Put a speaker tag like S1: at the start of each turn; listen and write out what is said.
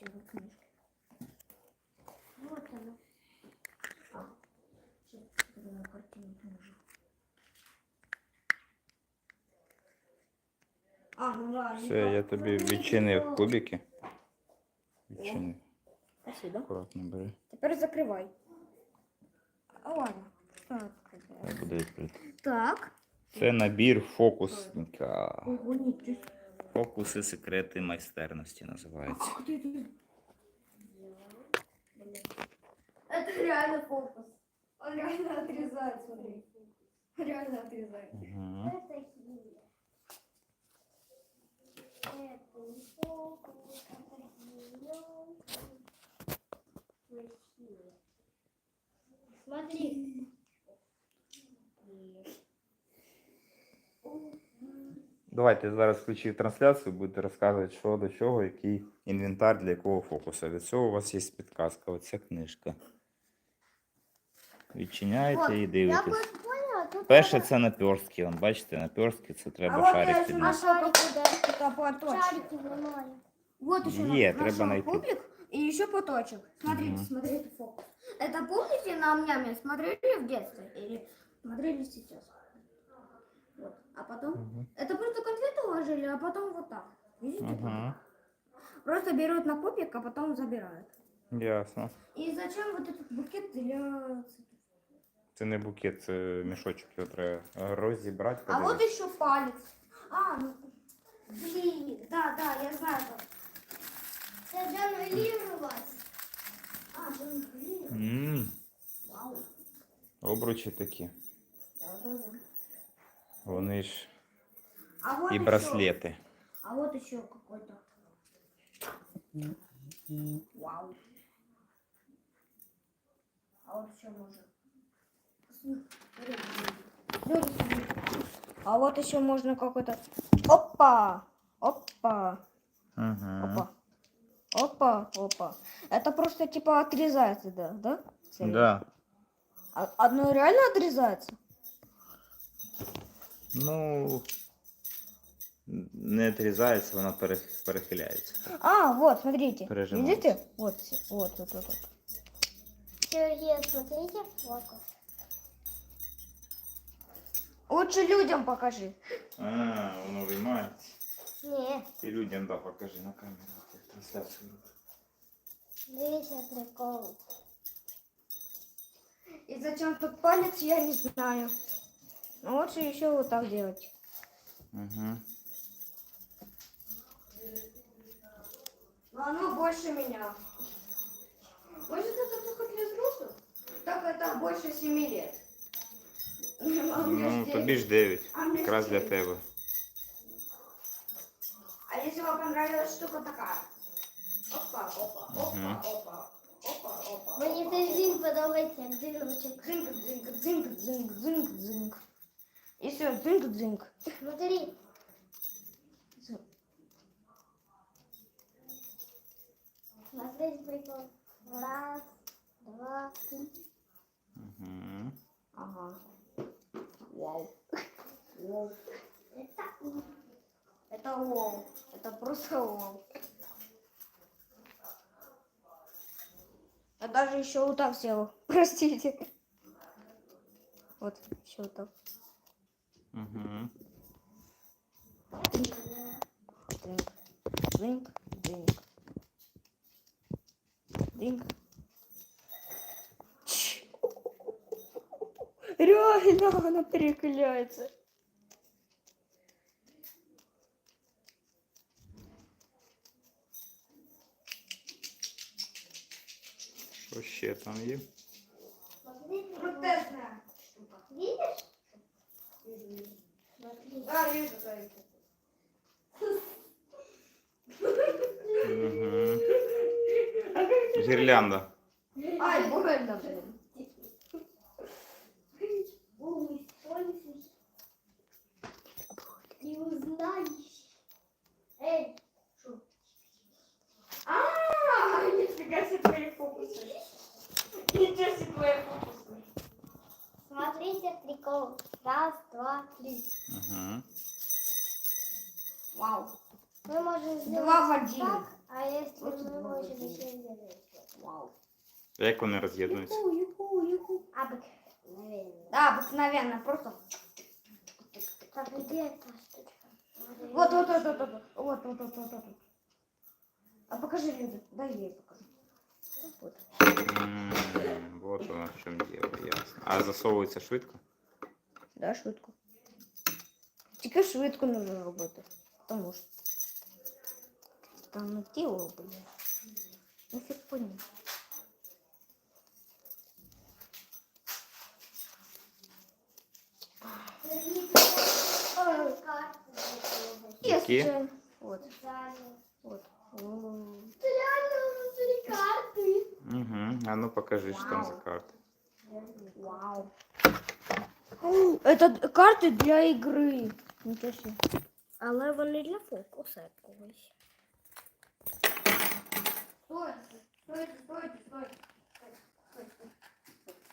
S1: все в книжке. Вот она. Сейчас я картину положу. Ну ладно.
S2: Все, я тобі відчинив кубики. Відчинив.
S1: Спасибо.
S2: Акуратно бери.
S1: Тепер закривай. Ладно. Так.
S2: Хай буде відкрито.
S1: Так.
S2: Це набір фокусника.
S1: Ого, нічого.
S2: Фокуси, секрети майстерності називається.
S1: Ах ты. Это реально фокус. Он реально отрезает, смотри. Реально отрезает.
S2: Угу.
S1: Это химия. Это не фокус, это химия. Смотри.
S2: Давайте зараз включив трансляцію, будете розказувати, що до чого, який інвентар для якого фокуса. Від цього у вас є підказка, оця книжка. Відчиняєте і дивитесь. Перше це наперстки. Вон, бачите, наперстки це треба шарик підняти.
S1: Шарики нормально. Вот еще
S2: Е,
S1: нашел
S2: треба найти.
S1: кубик и еще поточек. Смотрите,
S2: Мгм.
S1: смотрите фокус. Это помните на Ам-Няме смотрели в детстве или смотрели сейчас? Вот. А потом
S2: Мгм.
S1: это просто конфеты ложили, а потом вот так. Видите?
S2: Ага,
S1: Просто берут на кубик, а потом забирают.
S2: ясно.
S1: И зачем вот этот букет для цветов?
S2: Це не букет, це мішочок, його треба розібрати.
S1: А вот
S2: подивитися.
S1: еще палец. Ну, блин, да, я знаю. Это джанглировать. Джанглировать. Вау.
S2: Обручі такі.
S1: Да.
S2: Вони ж
S1: А вот
S2: і
S1: еще-
S2: браслети.
S1: А вот еще какой-то. Вау. А вот еще можно. А вот еще можно какой-то. Опа! Опа!
S2: Ага.
S1: Опа! Это просто типа отрезается, да?
S2: Да.
S1: Одно реально отрезается?
S2: Ну, не отрізається, вона перехиляється.
S1: Вот, смотрите.
S2: Прижимается.
S1: Видите? Вот.
S3: Сергей, смотрите фокус.
S1: Лучше людям покажи.
S2: Воно виймається.
S3: Ні,
S2: Ти людям покажи на камеру. Трансляцію.
S3: дивіться прикол.
S1: И зачем тут палец, я не знаю. Но лучше еще вот так делать.
S2: Угу.
S1: Но оно больше меня. Может, это только для взрослых? Так это больше 7 лет.
S2: Ну, тобі ж 9. Якраз для тебе.
S1: А если вам понравилась штука такая? Опа.
S2: Мгм.
S1: Опа.
S3: Мені цей він подобається, як дирочок.
S1: Дзинк. И все, дзинк.
S3: Смотри, смотри прикол. Раз, два, три.
S2: Угу.
S1: Ага. Вау. Это вау. Это просто вау. Я даже еще вот так сделал. Простите. Вот, еще вот так.
S2: Угу.
S1: Дзинк. Реально она переклеится.
S2: Що ще там є?
S3: Смотри, прикол.
S1: Протестная штука.
S3: Видишь? Смотри.
S1: Да, вижу, да.
S2: Угу. Гірлянда.
S1: Ай, больно, блин.
S3: Не узнаешь. Эй,
S1: Нифига себе твои фокусы. Ничего себе твои фокусы.
S3: смотрите прикол. Раз, два, три.
S2: Угу.
S1: Вау.
S3: Мы можем сделать
S1: Два в один.
S3: так, А если
S1: Просто
S3: мы
S1: два
S3: можем
S1: варианта.
S3: еще делать?
S1: Вау.
S2: А як вони роз'єднуються?
S1: Юху.
S3: Обыкновенно.
S1: Да, обыкновенно, просто.
S3: Так, где эта штучка?
S1: Вот. Вот. А покажи, Люда, дай я ей покажу. Вот.
S2: Вот воно в чому діло, ясно. А засовується швидко?
S1: Да, швидко. Тільки швидко нужно робити. Тому що там тіло робити. Нафіг понял.
S2: Які?
S1: Есть. Вот. Вот.
S3: Реально внутри карты.
S2: Угу. А ну покажи, що там за карти.
S1: Вау. Это карты для игры. Ничего себе.
S3: Але вони для фокуса якогось.